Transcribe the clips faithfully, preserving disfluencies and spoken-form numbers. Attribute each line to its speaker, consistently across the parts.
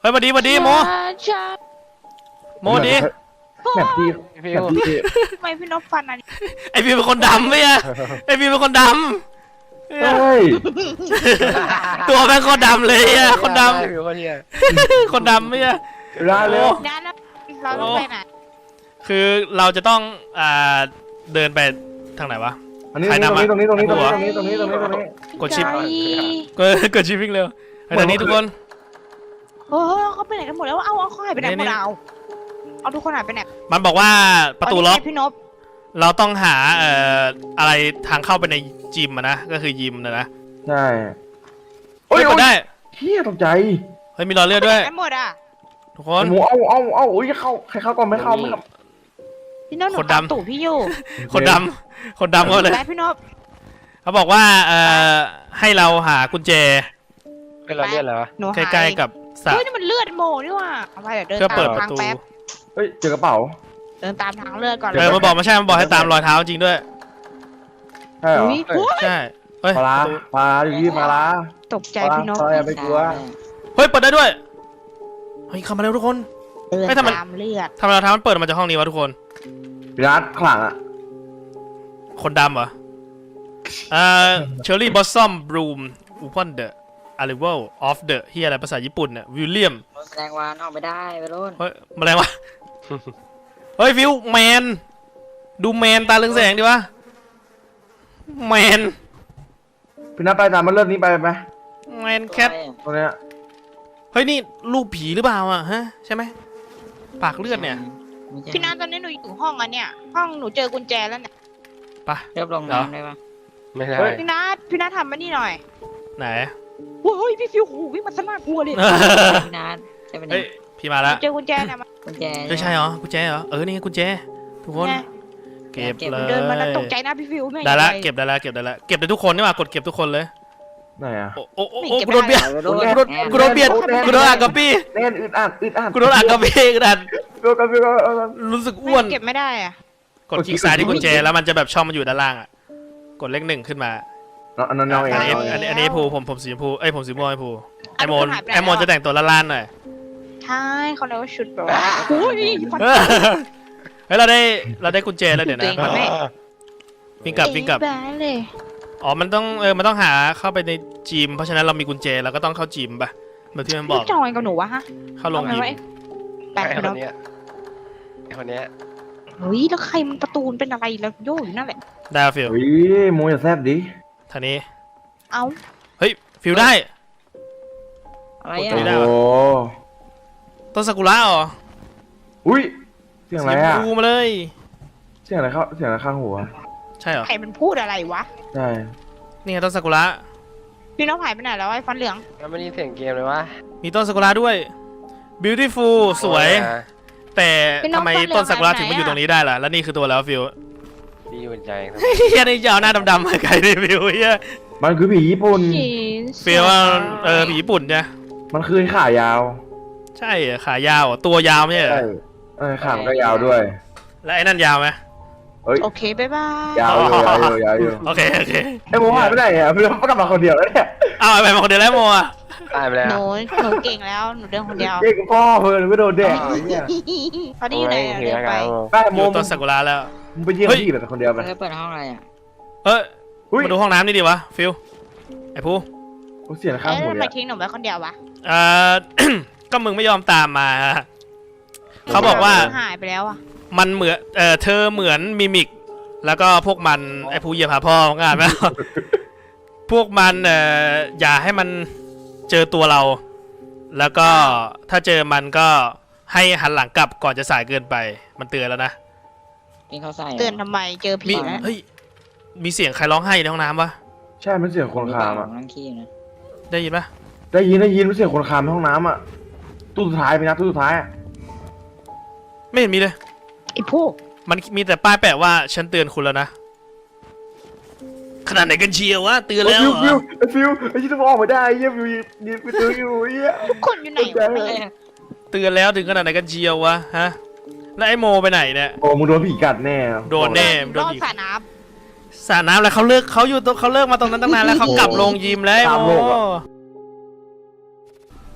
Speaker 1: เฮ้ยมาดีมาดีโมโมดี
Speaker 2: แบบดีแบบดี
Speaker 3: ทำไมพี่นพฟันอันนี้
Speaker 1: ไอพี่เป็นคนดำไหมอะไอพี่เป็นคนดำ
Speaker 2: เฮ้ย
Speaker 1: ตัวแม่งคนดำเลยอะคนดำคนดำไหมอะ
Speaker 2: เวลาเร็ว
Speaker 3: งั้นเราต้องไปไหน
Speaker 1: คือเราจะต้องอ่าเดินไปทางไหนวะ
Speaker 2: อันนี้ตรงนี้ตรงนี้ตรงนี้ตรงนี้ตรงนี้ตรงนี้ตรงนี้ตรงนี้
Speaker 1: กดชิป
Speaker 3: ใจ
Speaker 1: กดกดชิปวิ่งเร็วไอ้ตอนนี้ทุกคน
Speaker 3: เออเขาไปไหนกันหมดแล้วเอาเอาเขาหายไปไหนหมดเอาเอาทุกคนหายไปไหน
Speaker 1: มันบอกว่าประตูล็อก
Speaker 3: พี่นพ
Speaker 1: เราต้องหาเอ่ออะไรทางเข้าไปในจิมอะนะก็คือยิมนะนะ
Speaker 2: ใช่
Speaker 1: เฮ้ยกดได้
Speaker 2: เฮียตกใจ
Speaker 1: เฮ้ยมีรอยเลือดด้วย
Speaker 3: ไปหมดอ่ะ
Speaker 1: ทุกคน
Speaker 2: หมูเอาเอาเอาอุ้ยเข้าใครเข้าก่อนไม่เข้าไม่เข้า
Speaker 3: พี่นพหนูตามตู่พี่อยู่
Speaker 1: คนดำคนดำก็เลย
Speaker 3: ไปพี่นพ
Speaker 1: เขาบอกว่าเอ่อให้เราหากุญแจ
Speaker 4: เป็นเราเลือดแล้ววะ
Speaker 3: หนู
Speaker 1: ใก
Speaker 3: หาย
Speaker 1: ล้ๆกับสระ
Speaker 3: เฮ้ยนี่มันเลือดโมนี่ว่ะเอาไปเดี๋ยวเดิน
Speaker 1: เพื่อเปิ
Speaker 3: ตา
Speaker 1: ด
Speaker 3: ม
Speaker 1: ประ
Speaker 3: ทาง
Speaker 1: ตู
Speaker 3: แป๊บ
Speaker 2: เฮ้ยเจอกระเป๋า
Speaker 3: เดินตามทางเลือดก่อนเล
Speaker 1: เออย มาบอกมาใช่มาบอกให้ตามรอยเท้าจริงด้วย
Speaker 2: ใช่เหรอ
Speaker 3: อุ้ยอุ๊ย
Speaker 1: ใช่เฮ้ย
Speaker 2: ปลาปลาอยู่ที่ปลา
Speaker 3: ตกใจพี่นพ
Speaker 2: ปลาอย่าไปกลัว
Speaker 1: เฮ้ยเปิดได้ด้วยเฮ้ยเข้ามาเร็วทุกคน
Speaker 3: เดิน
Speaker 1: เฮ้ยทำไม
Speaker 3: ตามเลือด
Speaker 1: ทำไมรอยเท้ามันเปิดมาจากห้องนี้วะทุกคน
Speaker 2: พี่นัทข้างหลังอ่ะ
Speaker 1: คนดำเหรอเอ่อเชอร์รี่บอสซัมบลูมอูพอนเดอะอาริเวลออฟเดอะเฮียอะไรภาษาญี่ปุ่นเนี่ยวิลเลียม
Speaker 5: แสดงว่านอกไม่ได้ไปรุ่น
Speaker 1: เฮ้ยมาอะไรวะ เฮ้ยฟิวแมนดูแมนตาเรืองแสงดิวะแมน
Speaker 2: พี่นัทไปตามมันเริ่มนี้ไปไหม
Speaker 1: แมนแคท
Speaker 2: ตรงเนี้ย
Speaker 1: เฮ้ยนี่รูปผีหรือเปล่าอ่ะฮะใช่ไหมปากเลือดเนี่ย
Speaker 3: พี่นัทตอนนี้หนูอยู่ห้องอันเนี้ยห้องหนูเจอกุญแจแล้วเนี่ย
Speaker 1: ไป
Speaker 5: เรียบลงน้ำได้ปะ
Speaker 4: ไม่ได้
Speaker 3: พี่นัทพี่นัททำมานี่หน่อย
Speaker 1: ไหน
Speaker 3: โอ้ยพี่ฟิวหูวิ่งมาสนากลัวเลย
Speaker 5: พี่นัทใช่ไหม
Speaker 1: เฮ้
Speaker 5: เนี่ย ย
Speaker 1: พี่มาแล้ว
Speaker 3: เจอกุญแจเนี่ยมา
Speaker 5: กุญแจ
Speaker 1: เฮ้ยใช่เหรอกุญแจเหรอเออนี่ไงกุญแจทุกคน
Speaker 3: ไง
Speaker 1: เก็บเลย
Speaker 3: เดินมาแล้วตกใจนะพี่ฟิวไม่
Speaker 1: ได้ละ
Speaker 3: เก็
Speaker 1: เก็
Speaker 3: บบ
Speaker 1: ได้ละเก็บได้ละเก็บได้ทุกคนนี่หว่ากดเก็บทุกคนเลย
Speaker 2: ไหนอ่ะ
Speaker 1: โอ้โอ้โอ้โอ้กูโดนเบียด
Speaker 5: ไปรุ่น
Speaker 1: กูโดนกูโดนเบียดกูโดนอัดกับพี่
Speaker 2: แน่นอึดอัดอึดอัด
Speaker 1: กูโดนอัดกับพี่กระดาน
Speaker 2: เร็วกันเร็วกัน
Speaker 1: รู้สึก
Speaker 3: ไม่
Speaker 1: อ้วน
Speaker 3: เก็บไม่ได้อะ
Speaker 1: กดคลิกซ้ายที่กุญแจแล้วมันจะแบบช่องมันอยู่ด้านล่างอ่ะกดเลขหนึ่งขึ้นมา
Speaker 2: อันนั้นน้องเอ
Speaker 1: อันนี้
Speaker 2: ง
Speaker 1: อันนี้อันนี้ภูผมผมสีชมพูเอ้ยผมสีม่วงไอ้ภูไอโมนไอโมนจะแต่งตัวล้านๆหน่อย
Speaker 3: ใช่เขาเรียกว่าชุดแบบว่าโอ้ยฟัน
Speaker 1: เฮ้ยเราได้เราได้กุญแจแล้วเดี๋ยวนะ
Speaker 3: ตัวเอง
Speaker 1: วิ่งกลับวิ่งกลับ
Speaker 3: เอ้ยบ้าเลย
Speaker 1: อ๋อมันต้องเออมันต้องหาเข้าไปในจิมเพราะฉะนั้นเรามีกุญแจเราก็ต้องเข้าจิมป่ะแบบที่มันบอก
Speaker 3: พี่จอยกับหนูวะฮะ
Speaker 1: เข้าลง
Speaker 3: เอา
Speaker 1: ยิม
Speaker 3: ไว้แปะ
Speaker 4: ไอ้
Speaker 3: ไป
Speaker 4: ค
Speaker 3: แล้ว
Speaker 4: นเนี้ยไอ้คนเนี้ย
Speaker 3: เฮ้ยแล้วใครมันประตูมันเป็นอะไรแล้วโย่อยู่นั่นแหละ
Speaker 1: ได้ฟิล
Speaker 2: เฮ้ยโมอย่าแซบดิ
Speaker 1: ท่านี้
Speaker 3: เอ้า
Speaker 1: เฮ้ยฟิลได้
Speaker 5: อะไร
Speaker 2: โอ้
Speaker 5: อ่ะ
Speaker 1: ได้
Speaker 2: โห
Speaker 1: ต้นซากุระเหรอ
Speaker 2: อุ้ยเสียงอะไรอ่ะ
Speaker 1: ดูมาเลย
Speaker 2: เสียงอะไรเข้าเสียงอะไรข้างหัว
Speaker 1: ใช่เหรอ
Speaker 3: ใครมันพูดอะไรวะ
Speaker 2: ใช่
Speaker 1: นี่ไงต้นซากุระ
Speaker 3: พี่น้องหายไปไหนแล้วไอ้ฟันเหลือง
Speaker 4: มันไม่ได้ยินเสียงเกมเลยวะ
Speaker 1: มีต้นซากุระด้วย beautiful สวย แต่ทำไมต้นซากุระถึงมาอยู่ตรงนี้ได้ล่ะแล้วนี่คือตัวแล้วฟิล
Speaker 4: ดีอยู่ใจ
Speaker 1: เฮียนี่จะเอาหน้าดำๆมาไกลดิฟิลเฮีย
Speaker 2: มันคือผีญี่ปุ่น
Speaker 1: ฟิลว่าเออผีญี่ปุ่นเนี่ย
Speaker 2: มันคือขายาว
Speaker 1: ใช่เหรอขายาวเหรอตัวยาวไม่ใช่เหรอ
Speaker 2: ใช่เออขามันก็ยาวด้วย
Speaker 1: แล้วไอ้นั่นยาวไหม
Speaker 2: เฮ้ย
Speaker 3: โอเคบ๊ายบาย
Speaker 2: ยาวอยู่ยาวอยู่ยาวอยู่
Speaker 1: โอเคโอเค
Speaker 2: ไอ้โมหายไปไหนอ่ะพี่ต้องกลับมาคนเดียวแล้วเนี่ย
Speaker 1: เอาไปมาคนเดียวแล้วโมอ่ะ
Speaker 4: ตายไปแล้ว
Speaker 3: หนูหนูเก่งแล้วหนูเดินคนเดียว
Speaker 2: เด็กพ่อเพื่อนไม่โดนแดกเนี่ย
Speaker 3: ตอนนี้อยู่ไหนอะเดินไป
Speaker 2: แม่
Speaker 1: อ
Speaker 2: โม
Speaker 1: ยู่ต้นซากุระแล้ว
Speaker 2: มึงไปเยี่ยมพี่แบบคนเดียวไป
Speaker 5: เธอเปิดห้องอะไรอ่ะ
Speaker 1: เฮ้ย
Speaker 2: อุ้ย
Speaker 1: มาดูห้องน้ำนี่ดีวะฟิลไอ้ผู้
Speaker 2: เสียงข้าง
Speaker 3: เอ๊ะ
Speaker 2: หัว
Speaker 3: ทำไม
Speaker 2: เนี่ย
Speaker 3: ทิ้งหนูไว้คนเดียววะ
Speaker 1: เอ่อ ก็มึงไม่ยอมตามมาเขาบอกว่า
Speaker 3: หายไปแล้วอะ
Speaker 1: มันเหมือนเออเธอเหมือนมิมิก แล้วก็พวกมันไอ้ผู้เหยียบหาพ่อของงานไหม พวกมันเอ่ออย่าให้มันเจอตัวเรา แล้วก็ถ้าเจอมันก็ให้หันหลังกลับก่อนจะสายเกินไป มันเตือนแล้วนะ
Speaker 5: กินข้าวใส่
Speaker 3: เตือนทำไมเจอ
Speaker 1: มี
Speaker 3: ผีแล้ว
Speaker 1: เฮ้ยมีเสียงใครร้องไห้ในห้องน้ำปะ
Speaker 2: ใช่มันเสียงคนคามอ่ะ
Speaker 5: นั่งขี้นะ
Speaker 1: ได้ยินปะ
Speaker 2: ได้ยินได้ยินมันเสียงคนคามในห้องน้ำอ่ะตู้สุดท้ายไปนะตู้สุดท้าย
Speaker 1: ไม่เห็นมีเลย
Speaker 3: ไอ้พวก
Speaker 1: มันมีแต่ป้ายแปะว่าฉันเตือนคุณแล้วนะขนาดไหนกันเชียววะเตือนแล้ว
Speaker 2: ฟิ
Speaker 1: เหร
Speaker 2: ว
Speaker 1: อ
Speaker 2: ฟิวฟิวไอ้ที่ต้องออกมาได้เยี่ยมอยู่ยืนไปตื้ออยู่เยี่ย
Speaker 3: คนอยู่ไหนวะ
Speaker 5: อะไรอ่ะ
Speaker 1: เตือนแล้วถึงขนาดไหนกันเชียววะฮะแล้วไอ้โมไปไหนเนี่ย
Speaker 2: โอ้มึงโดนผีกัดแน่
Speaker 1: โดนแน่
Speaker 3: รอดสระน้
Speaker 1: สระน้ำแล้วเขาเลิกเขาอยู่ตรงเขาเลิกมาตรงนั้นตั้งนานแล้วเขากลับลงยิมแล้วไอ้โม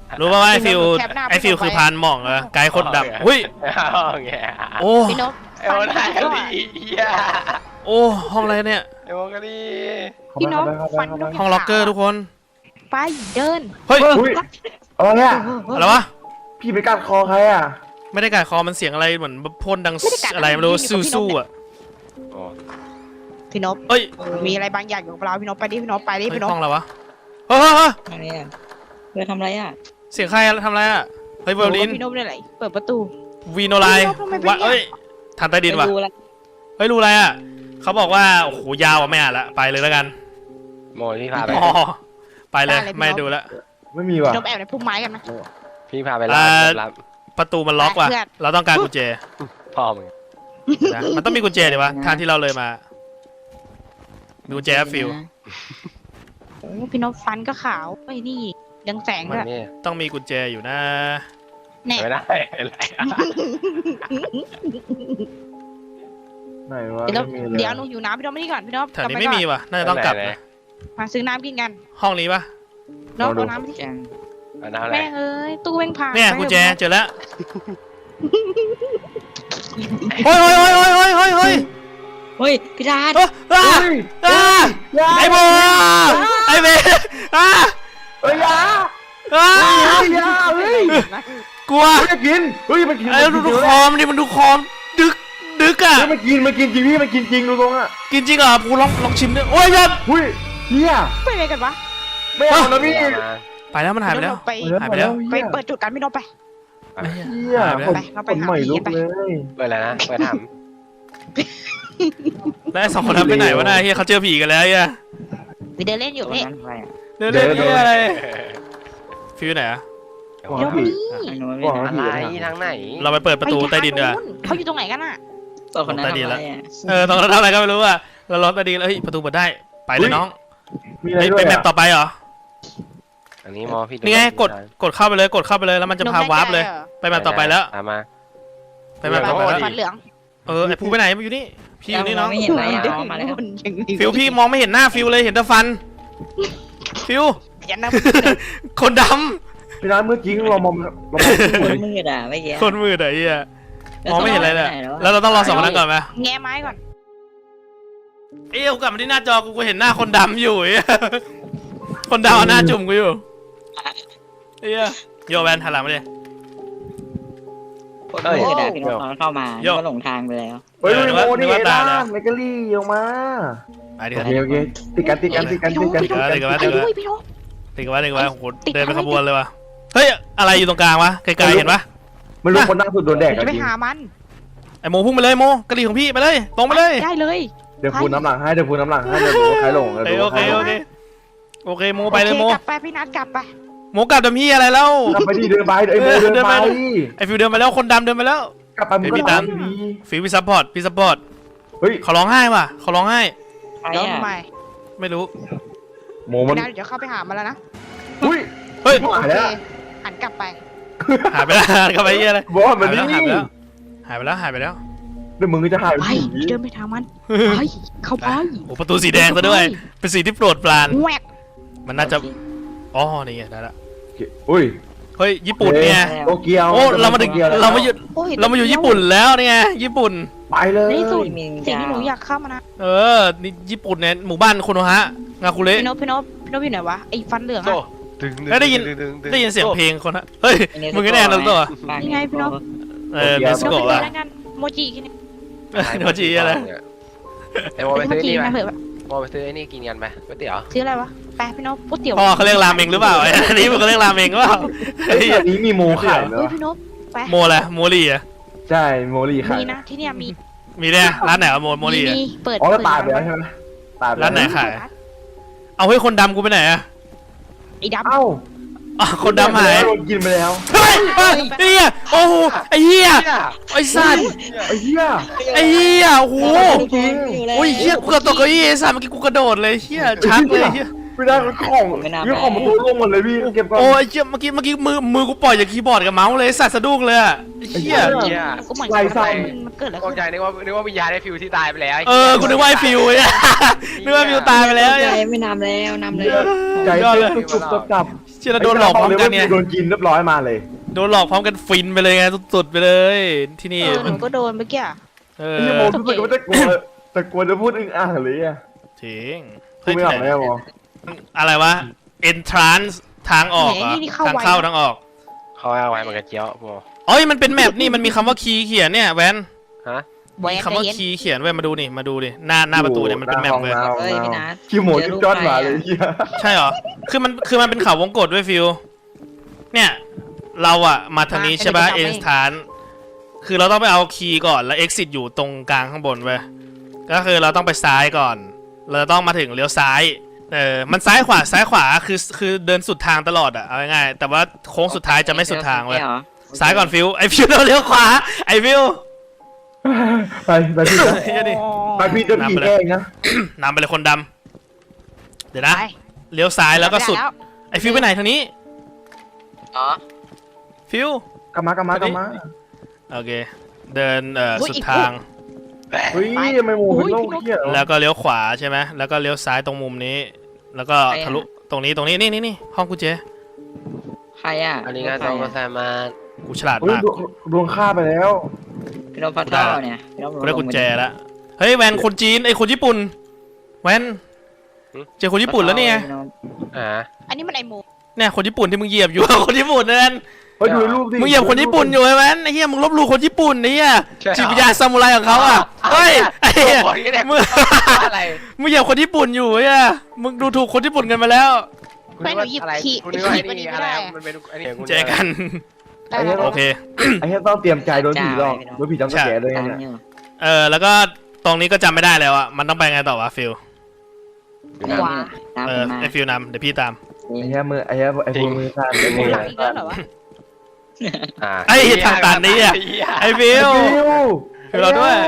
Speaker 1: รู้ป่าวว่าไอฟิว
Speaker 3: แคปหน้า
Speaker 1: ไอฟิว
Speaker 3: ไป
Speaker 1: คือพานหม่องเหรอไกด์คนดำหุ้ย
Speaker 4: เอาไง
Speaker 1: โอ้
Speaker 3: พี่นพ
Speaker 4: ไอ้โมนาลีเหี้ย
Speaker 1: โอ้ห้องอะไรเนี่ย
Speaker 4: ไอ้โมนาลี
Speaker 3: พี่นพ
Speaker 2: เข้าไป
Speaker 3: ฟัน
Speaker 2: เข้า
Speaker 3: พี่น
Speaker 2: ไป
Speaker 3: พ
Speaker 1: ห้องล็อกเกอร์ทุกคน
Speaker 3: ไปเดิน
Speaker 1: เฮ้ย
Speaker 2: อุ้ยอะไรเนี่ย
Speaker 1: อะไรวะ
Speaker 2: พี่ไปกัดคอใครอ่ะ
Speaker 1: ไม่ได้กัดคอมันเสียงอะไรเหมือนพ่นดังอะไรไม่รู้สู้ๆอ่ะ
Speaker 4: โอ้
Speaker 3: พี่นพ
Speaker 1: เอ้ย
Speaker 3: มีอะไรบางอย่างอยู่กับเราพี่นพไปดิพี่นพไปดิ
Speaker 1: เฮ้ย
Speaker 3: พี่นพ
Speaker 1: ห้องอะไรวะเฮ้ยเฮ้ยเฮ้ย
Speaker 5: อะไรอ่ะเพื่อทำอะไรอ่ะ
Speaker 1: เสียงใครทำอะไรอ่ะเฮ้ยไวโอลิน
Speaker 3: พี่นพได้ไหนเปิดประตู
Speaker 1: วีโนไล
Speaker 3: พี่นพทำไมเป็น
Speaker 1: วะ
Speaker 3: เนี่ย
Speaker 1: เอ้ยทางใต้ดินว่ะ
Speaker 5: ไม่รู้ละ
Speaker 1: เฮ้ยรู้อะไรอ่ะเขาบอกว่าโอ้โหยาวอ่ะไม่อ่านละไปเลยแล้วกัน
Speaker 4: โมพี่พาไป
Speaker 1: อ๋อไปเลยไม่ดูละ
Speaker 2: ไม่มีว่ะ
Speaker 3: พี่นพแอบในพุ่มไม้กันนะ
Speaker 4: พี่พาไป
Speaker 1: อ่า
Speaker 4: รับรับ
Speaker 1: ประตูมันล็อกว่ะ
Speaker 3: ไปเพื่อน
Speaker 1: เราต้องการกุญแจ
Speaker 4: พ่อมึง
Speaker 1: นะมันต้องมีกุญแจดิวะทางที่เราเลยมามีกุญแจฟิล
Speaker 3: โอ้พี่นพฟันก็ขาวไอ้ยนี่ยังแสง
Speaker 4: มัน
Speaker 3: ด้วย
Speaker 4: นี่
Speaker 1: ต้องมีกุญแจอยู่นะ
Speaker 3: แน่
Speaker 4: ไม่ได้อะไร
Speaker 2: ไหนวะ
Speaker 3: เดี๋ยว
Speaker 2: ไม่มีเลย
Speaker 3: เดี๋ยวหนูอยู่น้ำพี่นพไม่นี่ก่อนพี่นพ
Speaker 1: แถวนี้
Speaker 3: กลับป
Speaker 1: ไม่มี
Speaker 3: ก่อน
Speaker 1: ว่ะน่าจะต้องกลับนะ
Speaker 3: มาซื้อน้ำกินกัน
Speaker 1: ห้องนี้ปะ
Speaker 3: น้องเอาน้ำที่
Speaker 5: จัง
Speaker 4: อันนั้นอะไร
Speaker 3: แม่งเอ้ยตู้แม่งพัง
Speaker 1: เนี่ย
Speaker 3: ไป
Speaker 1: กุญแจ
Speaker 3: ถอะ
Speaker 1: เจอแล้วเฮ้ยเฮ้ยเฮ้ยเฮ้ยเฮ้ยเฮ้ยเฮ้ย
Speaker 5: เฮ้ยพี่ดาด
Speaker 1: เอ้ยอ่า
Speaker 2: เฮ้ย
Speaker 1: อ่า
Speaker 2: อยา
Speaker 1: ไอ้โบไอ้เบอ่า
Speaker 2: เฮ้ยอยา
Speaker 1: อ่า
Speaker 2: เฮ้ยอยาเฮ้ย
Speaker 1: กลัว
Speaker 2: เฮ้ยจะกินเฮ้ยมันกิน
Speaker 1: ไอ้ดูดูคอมดิมันดูคอมดึกดึกอ่ะ
Speaker 2: เฮ้ยมันกินมันกินจริงพี่มันกินจริงดูตรงอ่ะ
Speaker 1: กินจริงเหรอกูลองลองชิมด้วยโอ้ยยัน
Speaker 2: อุ้ยเฮีย
Speaker 3: ไปไหนกันวะ
Speaker 2: ไม่เอานะพี่
Speaker 4: เอามา
Speaker 1: ไปแล้วมันหายไปแล้ว
Speaker 3: ไป
Speaker 1: หายไปแล้ว
Speaker 3: ไปเปิดจุดกันพี่นพไป
Speaker 2: เฮีย
Speaker 1: หายไปแล้ว
Speaker 2: คน
Speaker 3: ไปเราไป
Speaker 2: คนใหม่
Speaker 3: หาผี
Speaker 2: ลุก
Speaker 3: ไป
Speaker 2: เลย
Speaker 4: เปิดอะไรนะเปิดถาม
Speaker 1: แล้วไอ้สองคนนั้นไปไหนวะน่ะเฮียเขาเจอผีกันแล้วเฮีย
Speaker 3: ไปเดินเล่นอยู่
Speaker 5: ตัว
Speaker 3: นี่
Speaker 5: นั้นอะไรอ่ะ
Speaker 1: เดินเล่นเฮียอะไรฟิวไหนอะ
Speaker 2: หวัง
Speaker 3: เดี๋ยว
Speaker 2: ผี
Speaker 3: นี้
Speaker 5: ไอ้หนูไม่
Speaker 2: หวัง
Speaker 5: ได้
Speaker 4: อะไรทางไหน
Speaker 1: เราไปเปิดประตูใต้ดินดีกว่า
Speaker 3: เขาอยู่ตรงไหนกันอ่ะ
Speaker 5: ตัวคนนั้นทำอะไรอ่ะ
Speaker 1: เออตอนนั้นทำอะไรก็ไม่รู้อ่ะเราล็อกใต้ดินแล้วเฮ้ยประตูเปิดได้ไปเลยน้อง
Speaker 2: มีอะไร
Speaker 1: เฮ้ย
Speaker 2: ด้ว
Speaker 1: ไป
Speaker 2: ย
Speaker 1: แมปต่อไปเหรอ
Speaker 4: อันนี้มอพี่
Speaker 1: นี่ไงกดกดเข้าไปเลยกดเข้าไปเลยแล้วมันจะพาวาร์ปเลย ไปแมปต่อไปแล้ว
Speaker 4: ตามมา
Speaker 1: ไปแมปต่อไปแล้ว
Speaker 3: ฟันเหลือง
Speaker 1: เออไอ้ภูไปไหนมาอยู่นี่พี่อยู่นี่น้อง
Speaker 5: ไม่เห็นอะไรอ่ะเอามาแล้ว
Speaker 1: ฟิวพี่มองไม่เห็นหน้าฟิวเลยเห็นแต่ฟันฟิว
Speaker 3: ยันนะ
Speaker 1: คนด
Speaker 2: พี่นัทเมื่อกี้เรามองเรามอง
Speaker 5: คนมืดอ่ะไม่เกี่ย
Speaker 1: ำคนมืดอะไอ้เหี้ยมองไม่เห็นอะไรเลยแล้วเราต้องรอสองคนนั้นก่อนไหม
Speaker 3: แง่ไม้ก่อน
Speaker 1: เอ้ยกูกลับมาที่หน้าจอกูกูเห็นหน้าคนดำอยู่ไอ้เหี้ยคนดำเอาหน้าจุ่มกูอยู่ไอ้เหี้ยโยแวนหันหลังมาดิ
Speaker 5: คนมืดอ่ะพี่น้องเข้ามา
Speaker 1: โย่
Speaker 5: ก็หลงทางไปแล้ว
Speaker 2: เฮ้ย
Speaker 1: เออนึก
Speaker 2: โม
Speaker 1: ว่านึ
Speaker 2: นี่
Speaker 1: กว่าตา
Speaker 2: ล่าย
Speaker 1: แล้ว
Speaker 2: เมกะลี่ออกมา
Speaker 1: ไปดิ
Speaker 2: โอเคโอเคติดกันติดกันติดกันติดกัน
Speaker 1: เออเดี๋ยวกัน
Speaker 3: ไป
Speaker 1: เดี๋ยวกัน
Speaker 3: ด้วยพี่นพ
Speaker 1: ติดกันไว้ติดกันไว้โอ้โห
Speaker 3: ติด
Speaker 1: เดินเป็น
Speaker 3: อะไร
Speaker 1: ขบวนเลยว่ะเฮ้ยอะไรอยู่ตรงกลางวะไกลๆเห็นปะ
Speaker 2: ไม่รู้คนนั่งสุดโดนแดก
Speaker 3: จะ
Speaker 2: อะ
Speaker 3: ไป
Speaker 2: จริง
Speaker 3: หามัน
Speaker 1: ไอโมพุ่งไปเลยโมกระดิ่งของพี่ไปเลยตรงไปเลย
Speaker 3: ได้เลย
Speaker 2: เดี๋ยวพูน้ำหลังให้เดี๋ยวพูน้ำหลังให้เดี๋ยวดูใครหลง
Speaker 1: เออโอเคโอเคโอเคโมไปเลยโม
Speaker 3: โอคกลับไปพี่นัทกลับไป
Speaker 1: โมกลับดำพี่อะไรแล้ว
Speaker 2: กลับไปดิเดินไปไอ้โมเดินไป
Speaker 1: ไอฟิวเดินไปแล้วคนดำเดินไปแล้ว
Speaker 2: กลับไปมึงก็ตามดี
Speaker 1: ฟิวพี่ซัพพอร์ตพี่ซัพพอร์ต
Speaker 2: เฮ้ย
Speaker 1: เขาร้องไห้ว่ะเขาร้องไห้
Speaker 5: ใคร
Speaker 3: เดี๋ยว
Speaker 5: อ่ะ
Speaker 3: ทำไม
Speaker 1: ไม่รู้
Speaker 2: โมมัน
Speaker 3: พี่นัทเดี๋ยวเข้าไปหามันแล้วนะ
Speaker 2: อุ้ย
Speaker 1: เฮ้ย
Speaker 3: โอ
Speaker 2: หาย
Speaker 3: เค
Speaker 2: แล้ว
Speaker 3: หันกลับไป
Speaker 1: หายไปแล้วกลับไปเหี้ยอะไร
Speaker 2: บอกว่ามัน
Speaker 1: หายไป
Speaker 2: นี่
Speaker 1: แล้วหายไปแล้วหายไปแล้ว
Speaker 2: เดี๋ยวมึงก็จะหาย
Speaker 3: ไปเดินไปทางมันไปเข้าไป
Speaker 1: โอ้ประตูสีแดงซะด้วยเป็นสีที่โปรดปราน
Speaker 3: แหวก
Speaker 1: มันน่าจะอ๋อนี่ไงได้ละ
Speaker 2: อุ้ย
Speaker 1: เฮ้ยญี่ปุ่นเนี่ย
Speaker 2: โตเกียว
Speaker 1: โอ้เรามาถึงเรามาอยู่
Speaker 3: โอ้ย
Speaker 1: เรามาอยู่ญี่ปุ่นแล้วนี่ไงญี่ปุ่น
Speaker 2: ไปเลย
Speaker 3: ในที่สุด
Speaker 5: มี
Speaker 3: สิ่งที่หนูอยากเข้ามานะ
Speaker 1: เออนี่ญี่ปุ่นเนี่ยหมู่บ้านโคโนฮะงาคุเระ
Speaker 3: พี่นพพี่นพพี่นพอยู่ไหนวะไอ้ฟันเหลือง
Speaker 4: โซ่
Speaker 3: อะ
Speaker 4: ดึง
Speaker 1: แล้วได้ยิน
Speaker 4: ดึงดึงดึง
Speaker 1: ได้ยินเสียงเพลงคนฮะเฮ้ยมึงก็แน่นอนตัว
Speaker 3: นี่ไงพี่นพ
Speaker 1: เออเนส
Speaker 3: พี่นพ
Speaker 1: โกะ
Speaker 3: ไป
Speaker 1: อะ
Speaker 3: แล้วกันโมจิแค่นี้
Speaker 1: โนจิอะไร
Speaker 4: ไอ้โมไป
Speaker 3: โม
Speaker 4: ซื้อ
Speaker 3: จิ
Speaker 4: นี่ไหม
Speaker 3: มาเถอะ
Speaker 4: โมไปซื้อไอ้นี่กินกันไปก๋วยเตี๋ยว
Speaker 3: ซื้ออะไรวะแปะพี่นพก๋วยเตี๋ยว
Speaker 1: พ่อเขาเรียกราเมงหรือเปล่าอันนี้มันก็เรียกราเมงหรือเปล่า
Speaker 2: เฮ้ยอันนี้มีโมขายไหม
Speaker 3: เฮ้ยว
Speaker 2: ะ
Speaker 3: พี่นพไป
Speaker 1: โมอะไรโมลีอะ
Speaker 2: ใช่โมลี่ขาย
Speaker 3: มีนะที่เนี่ยมี
Speaker 1: มีเนี่ยร้านไหนอะโมโมลีอะ
Speaker 3: มีเปิด
Speaker 2: อ๋อแล้ว
Speaker 3: เปิด
Speaker 2: ตายไปแล้วใช่ไหมตายไป
Speaker 1: ร้านไหน
Speaker 2: แล้ว
Speaker 1: ขาย เอาเฮ้ยคนดำกูไปไหนอะ
Speaker 3: ไอ้ดำ
Speaker 2: เอ้า
Speaker 1: อ๋อคนดำหาย
Speaker 2: โดนกินไปแล้ว
Speaker 1: เฮ้ยเฮ้ยไอ้เหี้ยโอ้โหไอ้เหี้ยไอ้สัตว์
Speaker 2: ไอ้เหี้ย
Speaker 1: ไอ้เหี้ยโอ้โห
Speaker 2: จริง
Speaker 1: โอ้ยเหี้ยกูกระตกเก้าอี้ไอ้สัตว์เมื่อกี้กูกระโดดเลยเหี้ยชักเลยเหี้ย
Speaker 2: ไม่ได้ของนี่ของมันตัวร่วงหมดเลยพี่เก็บก่อน
Speaker 1: โอ้ยเหี้ยเมื่อกี้เมื่อกี้มือมือกูปล่อยจากคีย์บอร์ดกับเมาส์เลยไอ้สัตว์สะดุ้งเลยอะไอ้เหี้ย
Speaker 4: เหี้ย
Speaker 3: ก็เหมือน
Speaker 2: ไล่
Speaker 3: กัน
Speaker 2: ไส้
Speaker 3: มันเกิดอะไร
Speaker 4: กอง
Speaker 3: ขึ้น
Speaker 4: ใจนึกว่านึกว่าวิญญาณได้ฟิวที่ตายไปแล้ว
Speaker 1: เออกูนึกว่าไอ้ฟิวเนี่ยนึกว่าฟิวตายไปแล้ว
Speaker 5: ใจ
Speaker 1: เนี่ย
Speaker 5: ไม่นำแล้วนำเลย
Speaker 2: ใจเต้นตุบๆจับ
Speaker 1: ชิชื่อเราโดนหลอกพร้อมกันเนี่ย
Speaker 2: โดนกินเรียบร้อยมาเลย
Speaker 1: โดนหลอกพร้อมกันฟินไปเลยไงสุดๆไปเลยที่นี่
Speaker 3: เออหนูก็โดนเมื่อกี้อะ
Speaker 1: เออ
Speaker 2: ไอ้เหี้ยโมรู้สึกว่าจะกลัวแต่กลัวจะพูดอึ้งอ่างเลยอ่ะ
Speaker 1: จริง
Speaker 2: พูดไม่ออกเลยอะโม
Speaker 1: อะไรวะ entrance ทางออกเหรอทางเข้าทางออก
Speaker 4: เขาเอาไว้มันกระเจียวโม
Speaker 1: เอ้ยมันเป็นแมปนี่มันมีคำว่าคีย์เขียนเนี่ยแวน
Speaker 4: ฮะ
Speaker 3: แหวน
Speaker 1: มีคำว่า
Speaker 3: ใจเย็น
Speaker 1: คีย์เขียนไว้มาดูนี่มาดูดิหน้าหน้าประตูเนี่ยมันเป็นแมปเลย
Speaker 5: เฮ้ยพี่นัท
Speaker 2: คิวโมจุดจอดมาเลยเหี้ย
Speaker 1: ใช่เหรอคือมันคือมันเป็นเขาวงกตด้วยฟิวเนี่ยเราอะมาทางนี้ใช่ปะ entrance คือเราต้องไปเอาคีย์ก่อนแล้ว exit อยู่ตรงกลางข้างบนเว้ยก็คือเราต้องไปซ้ายก่อน เราต้องมาถึงเลี้ยวซ้ายเออมันซ้ายขวาซ้ายขวาคือคือเดินสุดทางตลอดอะเอาง่ายๆแต่ว่าโค้งสุดท้ายจะไม่สุดทางเว้ย
Speaker 5: หรอ
Speaker 1: ซ้ายก่อนฟิวไอฟิวเราเลี้ยวขวาไอฟิว
Speaker 2: ไปไปพี่นะ
Speaker 1: เฮียดิ
Speaker 2: ไปพี่จะผีแกล้งนะ
Speaker 1: นำไปเลยคนดำเดี๋ยวนะ
Speaker 3: ไป
Speaker 1: เลี้ยวซ้ายแล้วก็สุด
Speaker 3: ไแล้ว
Speaker 1: ไอฟิวไปไหนทางนี้
Speaker 5: อ๋อ
Speaker 1: ฟิว
Speaker 2: กลับมากลับมากลับมา
Speaker 1: โอเคเดินเอ่อสุดทาง
Speaker 2: เฮ้ยทำไมโมเป็นโรคเหี้ย
Speaker 1: แล้วก็เลี้ยวขวาใช่ไหมแล้วก็เลี้ยวซ้ายตรงมุมนี้ แล้วก็ทะลุตรงนี้ตรงนี้นี่นี่นี่ห้องกุญแจ
Speaker 5: ใครอ่ะ
Speaker 4: อันนี้ก็ต้องมาใส่มา
Speaker 1: กูฉลาด
Speaker 2: เฮ้ย
Speaker 1: มาก
Speaker 2: ดวงฆ่าไปแล้ว
Speaker 5: พี่นพพัทเท่าเนี่ยพี่นพ
Speaker 1: กูได้กุญแจแล้วเฮ้ยแวนคนจีนไอคนญี่ปุ่นแวนเจอคนญี่ปุ่นแล้วเนี่ย
Speaker 4: อ่า
Speaker 3: อันนี้มันไอโม
Speaker 1: เนี่ยคนญี่ปุ่นที่มึงเหยียบอยู่ คนญี่ปุ่นนั่น
Speaker 2: เฮ้ยดูรูปดิ
Speaker 1: มึงเหยียบคนญี่ปุ่นอยู่ใช่ไหมไอ้เหี้ยมึงลบหลู่คนญี่ปุ่นไอ้เหี้ยจิตวิญญาณซามูไรของเขาอ่ะเฮ้ยไอ้เหี้ย
Speaker 4: บอกนี่แหละ
Speaker 1: มึง
Speaker 4: อะไร
Speaker 1: มึงเหยียบคนญี่ปุ่นอยู่ไอ้เหี้ยมึงดูถูกคนญี่ปุ่นกันมาแล้ว
Speaker 3: ไม่หนูหยิบขีด
Speaker 4: คุณ
Speaker 3: ไป
Speaker 4: นึกว่า
Speaker 3: ขี
Speaker 4: ไอ้
Speaker 3: ดมัน
Speaker 4: นี่
Speaker 3: ไม่
Speaker 4: อะไร
Speaker 3: ได้
Speaker 4: มันเป็นอันนี้
Speaker 1: เจอกัน
Speaker 3: ได้แล้ว
Speaker 1: โอเค
Speaker 2: ไอ้เหี้ยต้องเตรียมใจโดนผีหลอกโดนผีจำสแกร์ด้วย
Speaker 5: ตาม
Speaker 2: เนี่ย
Speaker 5: อยู่
Speaker 1: เออแล้วก็ตรงนี้ก็จำไม่ได้แล้วอ่ะมันต้องไปไงต่อวะฟิล
Speaker 3: ขวา
Speaker 5: ตาม
Speaker 1: เอ
Speaker 5: ผ
Speaker 1: อ
Speaker 5: มมา
Speaker 1: ไอฟิลนำเดี๋ยวพี่ตาม
Speaker 2: ไอ้เหี้ยมือไอ้เหี้ยไอ้พวกมือสั่นไอ้มือ
Speaker 3: หลังอีกแล้วเหรอวะ
Speaker 4: อ่า
Speaker 1: ไอ้ทางตันนี่อ่ะไอฟิล ฟิลเราด้วย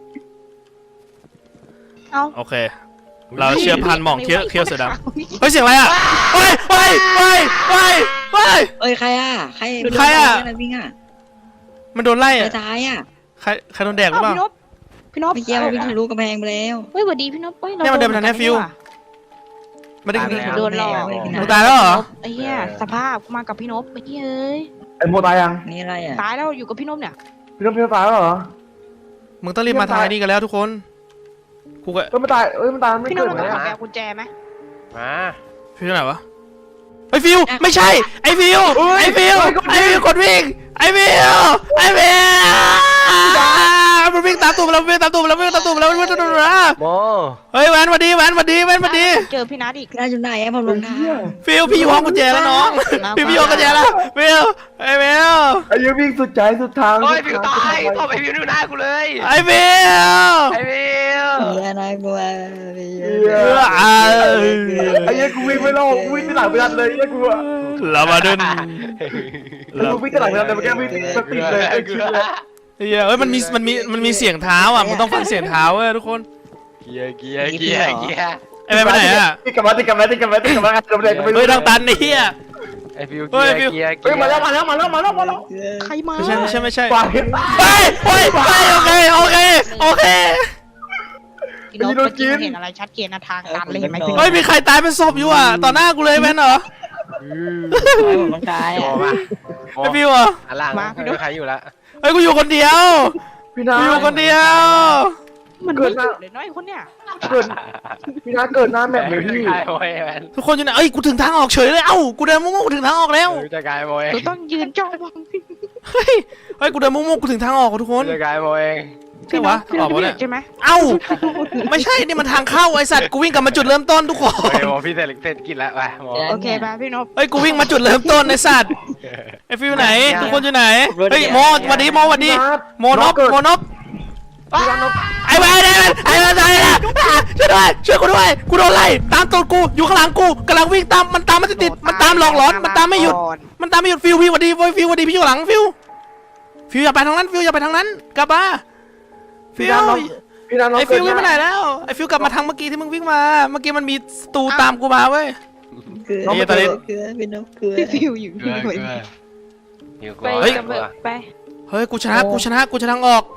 Speaker 3: เอ้า
Speaker 1: โอเค เราเชื่อพันหม่องเคี้ยวเคี้ยวเสือดำเฮ้ยเสียงอะไรอ่ะเฮ้ยเฮ้ยเฮ้ยเฮ้ยเฮ้ย
Speaker 5: เอ้ยใครอ่ะใคร
Speaker 1: ใครอะ
Speaker 5: วิ่งอ่ะ
Speaker 1: มันโดนไล่
Speaker 5: ใคร
Speaker 1: อ่ะ
Speaker 5: ตายอ่ะ
Speaker 1: ใครใครโดนแดกหรือ
Speaker 3: เอ้า
Speaker 1: เปล่า
Speaker 3: พี่นพพี่นพ
Speaker 5: เมื่อกี้มันวิ่งทะลุกำแพงไปแล้ว
Speaker 3: เฮ้ยสวัสดีพี่นพเฮ้ย
Speaker 1: เนี่ยมันเดินมาทางนี้ฟิว ไม่ได้
Speaker 5: ตายแล้ว
Speaker 3: โดนหลอก
Speaker 1: มึงตายแล้วเหรอ
Speaker 3: ไอ้เหี้ยสภาพมากับพี่นพไอ้เหี้ยเอ้ย
Speaker 2: ไอ้โมตายยัง
Speaker 5: นี่อะไรอ่ะ
Speaker 3: ตายแล้วอยู่กับพี่นพเนี่ย
Speaker 2: พี่น้องพี่น้องตายแล้วเหรอ
Speaker 1: มึงต้องรีบมาทางไอ้นี่กันแล้วทุกคนกูก็
Speaker 2: เอ้ยมันตายเอ้ยมันตายไม่
Speaker 3: พี่น
Speaker 2: เกิ
Speaker 3: พ
Speaker 2: ด
Speaker 3: เรา
Speaker 2: ไหม
Speaker 3: ต้องขอ
Speaker 2: อะ
Speaker 3: แปลกุญแจไหม
Speaker 4: มา
Speaker 1: ฟิวไหนวะไอฟิวไม่ใช่ไอฟิวไอฟิวไอฟิวกดวิ่งไอฟิวไอฟิวมันวิ่งตามตูมแล้ววิ่งตามตูมแล้ววิ่งตามตูมแล้ววิ่งตามตูมแล้ว
Speaker 4: โม
Speaker 1: เฮ้ยแวนมาดีแวนมาดีแวนมาดี
Speaker 3: เจอพี่นัทอีก
Speaker 5: น่าจะไหนอ่ะผมลงทาง
Speaker 1: ฟิวพี่อยู่ห้องกุญแจแล้วน้องพี่พี่อยู่ห้องกุญแจแล้วฟิวไอฟิว
Speaker 2: ไอ้เหี้ยวิ่งสุดใจสุดทาง
Speaker 4: โอ้ย
Speaker 2: สุ
Speaker 4: ผิว
Speaker 2: ดท
Speaker 4: ตาง ย
Speaker 2: สุด
Speaker 4: พ่อ
Speaker 2: ทาง
Speaker 4: ไปผิวดูหน้ากูเลย
Speaker 1: ไอฟิว
Speaker 4: ไอ้ผิว
Speaker 5: เฮียน่ากลัวเฮี
Speaker 2: เหี้
Speaker 5: ย
Speaker 2: ย
Speaker 1: อ่า
Speaker 2: ไอ้เหี้ยกูวิ่งไม่รอดกูวิ่งที่หลังไม่ทันเลยไอ้เหี้ยกูอะ
Speaker 1: เรามาดึง
Speaker 2: ไอ้กูวิ่งที่หลังไม่ทันเลยเมื่อกี้วิ่งสปีดเลยไอ้
Speaker 4: เก
Speaker 2: ชิ
Speaker 4: ลื
Speaker 2: บ
Speaker 4: อ
Speaker 2: เลย
Speaker 1: เฮ้ยเอ้ยมันมีมันมีมันมีเสียงเท้าอ่ะมึงต้องฟังเสียงเท้าเว้ยทุกคน
Speaker 4: เกียร์เกียร์เกียร์เกียร์
Speaker 1: ไอแวนไปไหนอ่ะ
Speaker 2: ติดกลับมาติดกลับมาติดกลับมาติดกลับมาติดกลับมากูไม่รู้
Speaker 1: เฮ้ยทางตันไอ้เหี้ย
Speaker 4: ไอ้ผิว
Speaker 1: เฮ้
Speaker 4: เกี
Speaker 1: ย
Speaker 4: ยร์เกียร์
Speaker 2: เฮ้ยมาแล้วมาแล้วมาแล้วมาแล้วมาแล้ว
Speaker 3: ใครมา
Speaker 1: ไม่ใช่ไม่ใช่ไม่ใช่
Speaker 2: กวาดเห็น
Speaker 1: ไปไปไปโอเคโอเคโอเค
Speaker 3: พี่นพเมื่อกี้เห็นอะไรชัดเจนนะทางตันเลยเห็นไหมพี่นพ
Speaker 1: เฮ้ยมีใครตายเป็นศพอยู่อ่ะต่อหน้ากูเลยแมนเหรอ
Speaker 5: ผมลงทาง
Speaker 4: โม
Speaker 5: อ่ะ
Speaker 4: มา
Speaker 1: ไอฟิวอ่ะ
Speaker 4: อันล่างไม่มีใครอยู่ละ
Speaker 1: เฮ้ยกูอยู่คนเดียว
Speaker 2: พี่นา
Speaker 1: กูอยู่คนเดียว
Speaker 3: มันไม่หยุดเลยน้อยคนเนี่ย
Speaker 2: เกิดพี่นาเกิดหน้าแมปเลยพี่
Speaker 4: กายโมยแมน
Speaker 1: ทุกคนอยู่ไหนเอ้ยกูถึงทางออกเฉยเลยเอ้ากูเดินมุ่งๆกูถึงทางออกแล้ว
Speaker 4: จะกายโมย
Speaker 3: หนูต้องยืนจ้องมองพี่
Speaker 1: เฮ้ยเฮ้ยกูเดินมุ่งๆกูถึงทางออกทุกคน
Speaker 4: จะกายโมเอง
Speaker 1: ใช่วะ
Speaker 3: พี่
Speaker 1: ออก
Speaker 3: นพ
Speaker 1: วะ
Speaker 3: ไม่
Speaker 1: เนี่ย
Speaker 3: เห็นใช่ไหม
Speaker 1: เอ้าไม่ใช่นี่มันทางเข้าไอสัตว์กูวิ่งกลับมาจุดเริ่มต้นทุกคน
Speaker 4: โอเคโมพี่เสร็จเสร็จกินแล้วไปโม
Speaker 3: โอเคป่ะพี่นพ
Speaker 1: เฮ้ยกูวิ่งมาจุดเริ่มต้นไอสัตว์ไอฟิวไหนทุกคนอยู่ไหนเฮ้ยโมสวัสดีโมสวัสดีโมนบโมนบไอ้แวนไอ้แวนไอ้แวนไอ้แวนช่วยด้วยช่วยกูด้วยกูโดนไล่ตามตัวกูอยู่ข้างหลังกูกำลังวิ่งตามมันตามมันติดๆมันตามหลอกหลอนมันตามไม่หยุดมันตามไม่หยุดฟิวฟิวสวัสดีฟิวสวัสดีพี่อยู่หลังฟิวฟิวอย่าไปทางนั้นฟิวอย่าไปทางนั้นกลับมาฟิ
Speaker 2: พี่
Speaker 1: ว
Speaker 2: นาน้องพี่นาน้อง
Speaker 1: ไอ้ฟิววิ่งไปไหนแล้วไอ้ฟิวกลับมาทางเมื่อกี้ที่มึงวิ่งมาเมื่อกี้มันมีสตูตามกูมาเว้ย
Speaker 5: เกลือ
Speaker 1: ไอ้เหี้ยตอนนี้
Speaker 5: เกลือเป็นนกเกลือ
Speaker 3: พี่ฟิวอยู่
Speaker 4: เกลื
Speaker 3: ที่
Speaker 4: อ
Speaker 3: ไหน
Speaker 4: เกลืออยู่ก
Speaker 3: ไป
Speaker 4: ลัว
Speaker 3: กันเถอะไป
Speaker 1: เฮ้ยกูชนะกูชนะกูชนะทางออก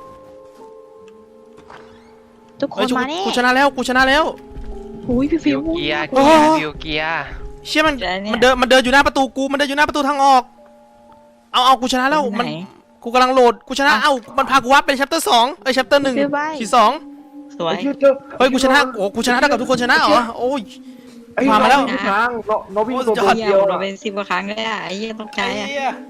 Speaker 3: ทุกค
Speaker 1: เฮ้ย
Speaker 3: นมาแน่
Speaker 1: กูชนะแล้วกูชนะแล้ว
Speaker 3: หุยพี่
Speaker 4: ฟิ
Speaker 3: ฟิ
Speaker 4: ว
Speaker 3: ว
Speaker 4: เกียร์
Speaker 1: โอ้
Speaker 4: เกียร์ฟิวเกียร์
Speaker 1: เชี่ยมัน
Speaker 5: เดี๋ยวเนี่ย
Speaker 1: มันเดินมันเดินอยู่หน้าประตูกูมันเดินอยู่หน้าประตูทางออก เอาเอากูชนะแล้วมัน
Speaker 5: ไหน
Speaker 1: กูกำลังโหลดกูชนะเอ้ามันพากูวับเป็น chapter สองเอ้ย chapter หนึ่ง
Speaker 3: ซื้อใบ
Speaker 1: ขีดสอง
Speaker 5: สวย
Speaker 2: ไอ้เชี่ยเจอ
Speaker 1: เฮ้ยกูชนะโอ้กูชนะเท่ากับทุกคนชนะเหรอโอ้ย
Speaker 2: ไอ้
Speaker 1: ผ่านมาแล้ว
Speaker 2: ทุกทางเราเราวิ่งตัว
Speaker 1: โอ้
Speaker 2: ตัวย
Speaker 5: เหี้ย
Speaker 2: เดียว
Speaker 5: เรา
Speaker 2: อะ
Speaker 5: เป็นสิบกว่าครั้งเลยอ่ะไอ้เหี้ยต้องใจอ่ะ
Speaker 1: ไอ้เหี้ย